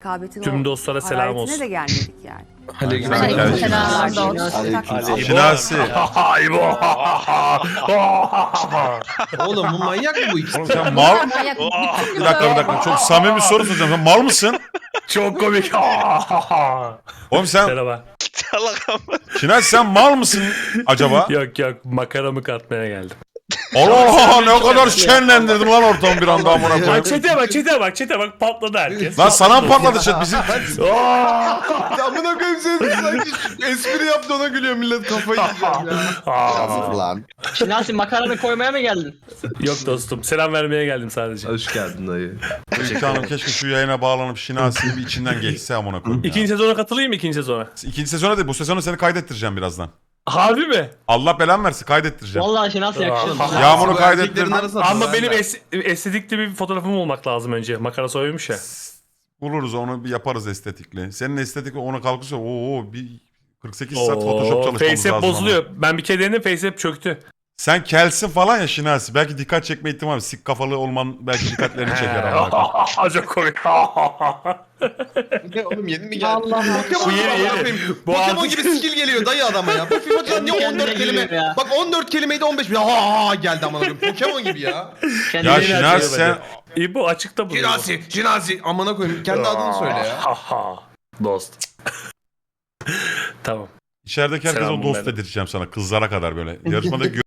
Rekabetin Tüm o dostlara selam hararetine olsun. de gelmedik yani. Aleykümselam. Şinasi. Oğlum bu manyak mı bu ikisi? Oğlum sen mal... Manyak. Bir dakika. Çok samimi bir soru soracağım. Sen mal mısın? Çok komik. Oğlum sen... Merhaba. Şinasi sen mal mısın acaba? Yok makaramı katmaya geldim. Allah Allah ne kadar şenlendirdin lan ortamı bir anda amına Bak koyayım. çete bak patladı herkes. Lan sana mı patladı chat bizim? Amına koyayım seni sanki espri yaptı ona gülüyor millet kafayı yiyeceğim ya. Yazık lan. Şinasi makaranı koymaya mı geldin? Yok dostum selam vermeye geldim sadece. Hoş geldin dayı. Canım keşke şu yayına bağlanıp Şinasi'nin bir içinden geçse amına koyayım. İkinci sezona katılayım mı ikinci sezona? İkinci sezona değil bu sezonu seni kaydettireceğim birazdan. Harbi mi? Allah belanı versin kaydettireceğim. Vallahi Şinasi yakışıyor. Yağmur'u Bu kaydettirdim. erkeklerin arasında Ama ben benim ben. estetikli bir fotoğrafım olmak lazım önce. Makara soymuş ya. Buluruz onu bir yaparız estetikli. Senin estetikli ona kalkırsa bir 48 saat Photoshop çalışmamız FaceApp lazım. bozuluyor. Ben bir kere denedim FaceApp çöktü. Sen kelsin falan ya Şinasi. Belki dikkat çekme ihtimali. Sik kafalı olman belki dikkatlerini çeker. amına Çok komik. Ne oğlum yeni mi geldi? Allah Bu yeni. Bu Pokemon artık- gibi skill geliyor dayı adama ya. Bu FIFA'dan niye Kendine 14 kelime? geliyor ya. Bak 14 kelimeydi 15 bir ha geldi amına koyayım. Pokemon gibi ya. Kendine Ya Yeni Şinasi açıyor sen... bence. İbo açıkta buluyor. Şinasi amına koyayım. Kendi adını söyle ya. Dost. Tamam. İçerideki herkese Selam o dost bunlara. dedirteceğim sana. Kızlara kadar böyle. Yarışmada